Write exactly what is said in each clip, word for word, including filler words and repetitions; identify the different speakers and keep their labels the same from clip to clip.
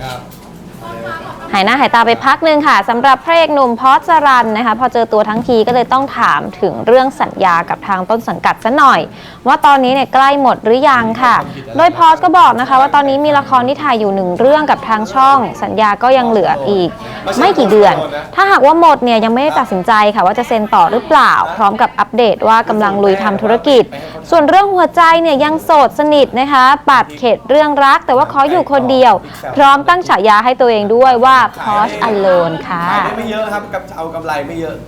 Speaker 1: หายหน้าหายตาไปพักหนึ่งค่ะสำหรับพระเอกหนุ่มพอสสรันนะคะพอเจอตัวทั้งทีก็เลยต้องถามถึงเรื่องสัญญากับทางต้นสังกัดซะหน่อยว่าตอนนี้เนี่ยใกล้หมดหรือยังค่ะโดยพอสก็บอกนะคะว่าตอนนี้มีละครที่ถ่ายอยู่หนึ่งเรื่องกับทางช่องสัญญาก็ยังเหลืออีกไม่กี่เดือนถ้าหากว่าหมดเนี่ยยังไม่ได้ตัดสินใจค่ะว่าจะเซ็นต่อหรือเปล่าพร้อมกับอัปเดตว่ากำลังลุยทำธุรกิจส่วนเรื่องหัวใจเนี่ยยังโสดสนิทนะคะปัดเข็ดเรื่องรักแต่ว่าขออยู่คนเดียวพร้อมตั้งฉายาให้ตัวเองด้วยว่าพอสAlone ค่ะ
Speaker 2: ขายได้ไม่เยอะครับกับเอากำไรไม่เยอะ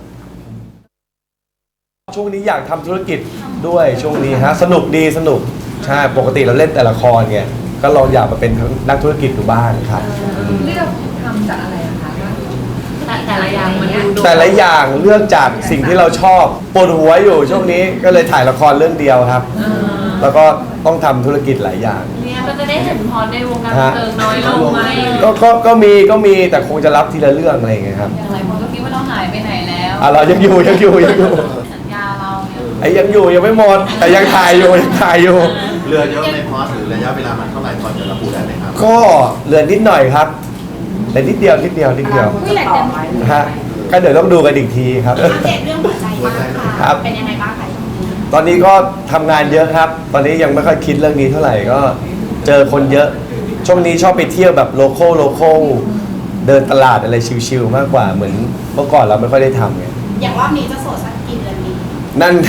Speaker 2: ช่วงนี้อยากทำธุรกิจด้วยช่วงนี้ฮะสนุกดีสนุกใช่ปกติเราเล่นแต่ละครไงก็ลองอยากมาเป็นนักธุรกิจดูบ้างครับ
Speaker 3: เลือกทำจากอะไรคะแต่ละอย่างมันดู
Speaker 2: แต่ละอย่างเลือกจากสิ่งที่เราชอบปวดหัวอยู่ช่วงนี้ก็เลยถ่ายละครเรื่องเดียวครับแล้วก็ต้องทำธุรกิจหลายอย่าง
Speaker 3: เนี่ยก็จะได้เห็นพรในวงการบันเทิงน้อยลงไหม
Speaker 2: ก็ก็ก็มีก็มีแต่คงจะรับทีละเรื่องอะไรอย่างเงี้ยครับ
Speaker 3: อย่างไรคนก็คิดว่าเราหายไปไหนแล้ว
Speaker 2: อ่ะเรายังอยู่ยังอยู่ยังอยู่
Speaker 3: สัญญาเราเนี่ย
Speaker 2: ไอ้ยังอยู่ยังไม่หมดแต่ยังถ่ายอยู่ยังถ่ายอยู่
Speaker 4: เรือเยอะในพอสหรือระยะเวลามันเท่าไหร่พอจะระบุได้ไหมครับ
Speaker 2: ก็เรือนิดหน่อยครับแต่นิดเดียวนิดเดียวนิดเดียวฮะก็เดี๋ยวต้องดูกันอีกทีครับ
Speaker 5: อัปเดตเรื่องหัวใจบ้างค่ะเป็นยังไงบ้างคะ
Speaker 2: ตอนนี้ก็ทำงานเยอะครับตอนนี้ยังไม่ค่อยคิดเรื่องนี้เท่าไหร่ก็เจอคนเยอะช่วงนี้ชอบไปเที่ยวแบบโลคอลโลคอลเดินตลาดอะไรชิวๆมากกว่าเหมือนเมื่อก่อนเราไม่ค่อยได้ทำไง
Speaker 5: อย่างรอบนี้จะโสดสักกี่เดือนดี
Speaker 2: นั่น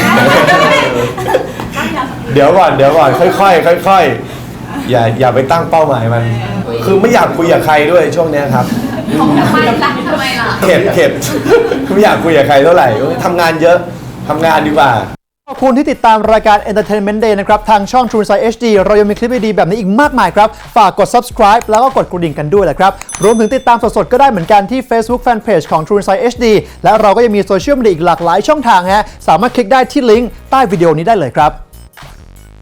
Speaker 2: เดี๋ยวก่อนเดี๋ยวก่อนค่อยๆค่อยๆอย่าอย่าไปตั้งเป้าหมายมันคือไม่อยากคุยกับใครด้วยช่วงนี้ครับ
Speaker 3: ทำไมล่ะทำไมล่ะ
Speaker 2: เข็ดเข็ดไม่อยากคุยกับใครเท่าไหร่ทำงานเยอะทำงานดีกว่า
Speaker 6: ขอบคุณที่ติดตามรายการ Entertainment Day นะครับทางช่อง True Insight เอช ดี เรายังมีคลิปดีๆแบบนี้อีกมากมายครับฝากกด subscribe แล้วก็กดกระดิ่งกันด้วยแหละครับรวมถึงติดตามสดๆก็ได้เหมือนกันที่ Facebook Fanpage ของ True Insight เอช ดี และเราก็ยังมีโซเชียลมีเดียอีกหลากหลายช่องทางฮะสามารถคลิกได้ที่ลิงก์ใต้วิดีโอนี้ได้เลยครับ